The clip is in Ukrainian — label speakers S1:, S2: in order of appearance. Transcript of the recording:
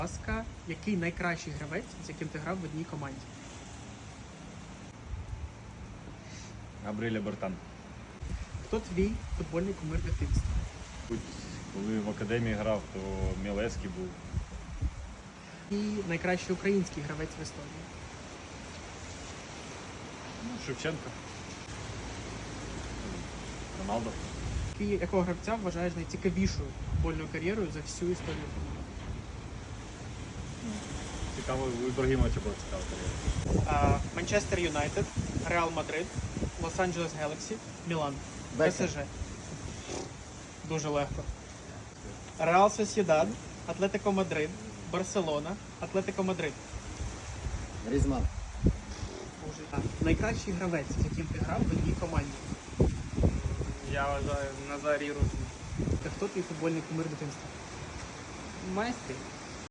S1: ласка, який найкращий гравець, з яким ти грав в одній команді?
S2: Габріеля Бертан.
S1: Хто твій футбольний кумир дитинства?
S2: Коли в академії грав, то Мілевський був.
S1: І найкращий український гравець в історії?
S2: Шевченко. Роналдо.
S1: Якого гравця вважаєш найцікавішою футбольною кар'єрою за всю історію футболу?
S2: Цікаво, у Ібрагімовича була цікава кар'єра.
S1: Манчестер Юнайтед, Реал Мадрид, Лос-Анджелес Гелаксі, Мілан.
S3: Бекхем.
S1: ПСЖ. Дуже легко. Реал Сосєдад, Атлетико Мадрид, Барселона, Атлетико Мадрид.
S3: Грізман.
S1: Найкращий гравець, з яким ти грав в одній команді?
S4: Я вважаю Назарій Русин.
S1: Та хто твій футбольний кумир дитинства?
S4: Майстер.